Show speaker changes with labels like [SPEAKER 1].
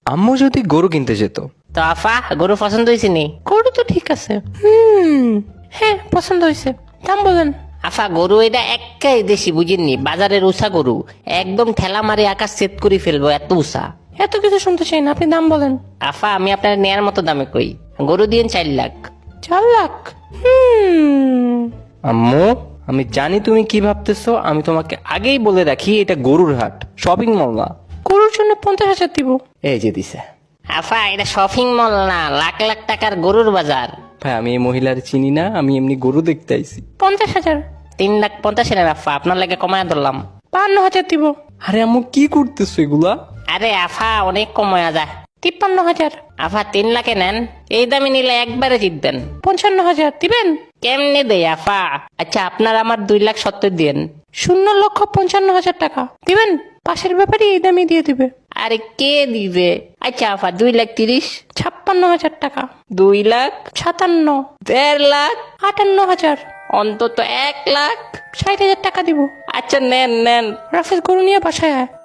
[SPEAKER 1] আম্মু যদি গরু কিনতে যেত।
[SPEAKER 2] তো আফা গরু পছন্দ হয়েছে নি?
[SPEAKER 3] গরু তো ঠিক আছে, হ্যাঁ পছন্দ হয়েছে, দাম বলেন।
[SPEAKER 2] আফা গরু এটা একাই দেশি, বুঝেননি? বাজারের উষা গরু, একদম ঠেলা মারি আকাশ সেট করে ফেলবো, এত উষা।
[SPEAKER 3] এত কিছু শুনতে চাই না, আপনি দাম বলেন।
[SPEAKER 2] আফা আমি আপনার নেয়ার মতো দামে কই, গরু দিন 4 লাখ।
[SPEAKER 3] 4 লাখ?
[SPEAKER 1] আম্মু আমি জানি তুমি কি ভাবতেছো, আমি তোমাকে আগেই বলে রাখি এটা গরুর হাট, শপিং মল না।
[SPEAKER 3] গরুর জন্য 50,000 দিব।
[SPEAKER 1] এই যে দিছে।
[SPEAKER 2] আফা এটা শপিং মল না, লাখ লাখ টাকার গরুর বাজার।
[SPEAKER 1] ভাই আমি এই মহিলার চিনি না, আমি এমনি গরু দেখতে আইছি।
[SPEAKER 3] 50,000।
[SPEAKER 2] 3,50,000 আফা, আপনার লাগে কমায় ধরলাম।
[SPEAKER 3] 52,000 দিব।
[SPEAKER 1] আরে আম্মু কি করতেছো এগুলা?
[SPEAKER 2] আরে আফা অনেক কমায়া যায়।
[SPEAKER 3] 53,000।
[SPEAKER 2] আফা 3 লাখে নেন, এই দামে নিলে একবারে জিতবেন।
[SPEAKER 3] 55,000 দিবেন?
[SPEAKER 2] কেমনে দেয় আফা? আচ্ছা আপনার আমার 2,70,000 দিন।
[SPEAKER 3] 0,55,000 টাকা দিবেন? পাশের ব্যাপারে এই দামে দিয়ে দিবে।
[SPEAKER 2] আরে কে দিবে? আচ্ছা আফা 2,30,000।
[SPEAKER 3] 56,000 টাকা।
[SPEAKER 2] 2,57,000। 1,50,000।
[SPEAKER 3] 58,000।
[SPEAKER 2] অন্তত 1,00,000।
[SPEAKER 3] 60,000 টাকা দিব।
[SPEAKER 2] আচ্ছা নেন নেন।
[SPEAKER 3] রাফেজ গরু নিয়ে বাসায় আয়।